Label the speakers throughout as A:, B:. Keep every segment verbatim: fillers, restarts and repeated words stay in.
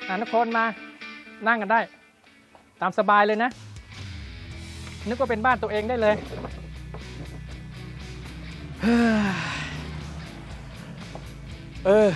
A: อ่าทุกคนมานั่งกันได้ตามสบายเลยนะนึกว่าเป็นบ้านตัวเองได้เลย
B: เออ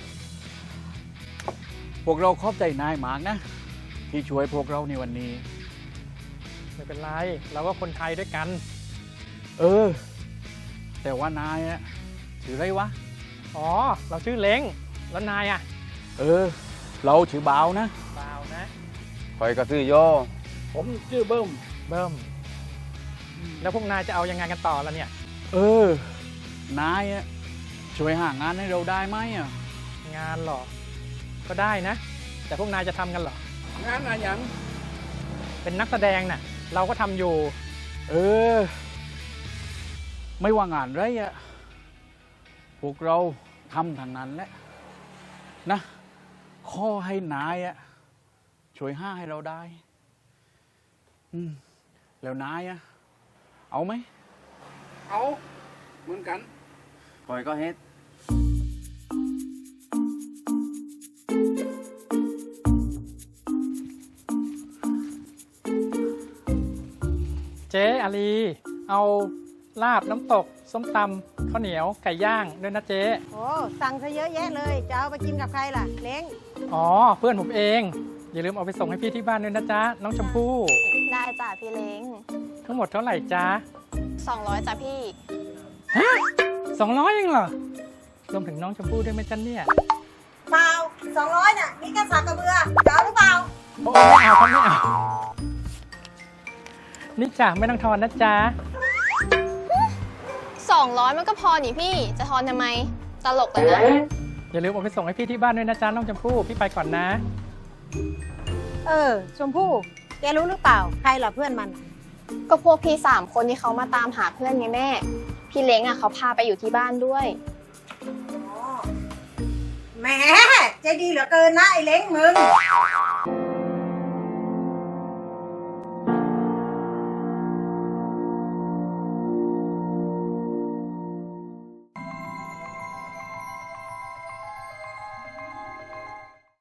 B: พวกเราขอบใจนายมากนะที่ช่วยพวกเราในวันนี้
A: ไม่เป็นไรเราก็คนไทยด้วยกัน
B: เออแต่ว่านายอะชื่ออะไรวะ
A: อ๋อเราชื่อเล้งแล้วนายอะ
B: เออเราชื่อบ่าวนะ
A: บ่าวนะ
C: คอยก็ซื้อโย
B: ผมชื่อเบิ้ม
A: เบิ้มแล้วพวกนายจะเอายังไงกันต่อละเนี่ย
B: เออนายอะช่วยหางานให้เราได้ไหมอะ
A: งานหรอก็ได้นะแต่พวกนายจะทำกันหร
B: องานอะไรอย่าง
A: เป็นนักแสดงน่ะเราก็ทำอยู่
B: เออไม่ว่างานไรอะพวกเราทำทางนั้นแหละนะข้อให้นายอะช่วยห้าให้เราได้อืมแล้วนายอะเอาไหม
C: เอาเหมือนกันคอยก็เฮ็ด
A: เจ๊อาลีเอาลาบน้ำตกส้มตำข้าวเหนียวไก่ย่างด้วยนะเจ๊
D: โอ้สั่งซะเยอะแยะเลยจะเอาไปกินกับใครล่ะเล้ง
A: อ๋อเพื่อนผมเองอย่าลืมเอาไปส่งให้พี่ที่บ้านด้วยนะจ๊ะน้องชมพู่
E: ได้จ้ะพี่เล้ง
A: ทั้งหมดเท่าไหร่จ๊ะ
E: สองร้อยจ้ะพี่
A: ฮะสองร้อยเองเหรอรวมถึงน้องชมพู่ด้วยไหมจ๊ะเนี่ย
D: เปล่าสองร้อยน่ะนี่แค่สากกระเบือจะเอาหรือเปล่า
A: โอ้ไม่เอาครับไม่เอานี่จ้ะไม่ต้องทอนนะจ๊ะ
E: สองร้อยมันก็พอนี่พี่จะทอนทำไมตลกเลยนะ
A: อย่าลืมเอาไปส่งให้พี่ที่บ้านด้วยนะจ๊ะน้องชมพู่พี่ไปก่อนนะ
D: เออชมพู่แกรู้หรือเปล่าใครล่ะเพื่อนมัน
E: ก็พวกพี่สามคนที่เขามาตามหาเพื่อนไงแม่พี่เล้งอ่ะเขาพาไปอยู่ที่บ้านด้วย
D: แหมใจดีเหลือเกินนะไอ้เล้งมึง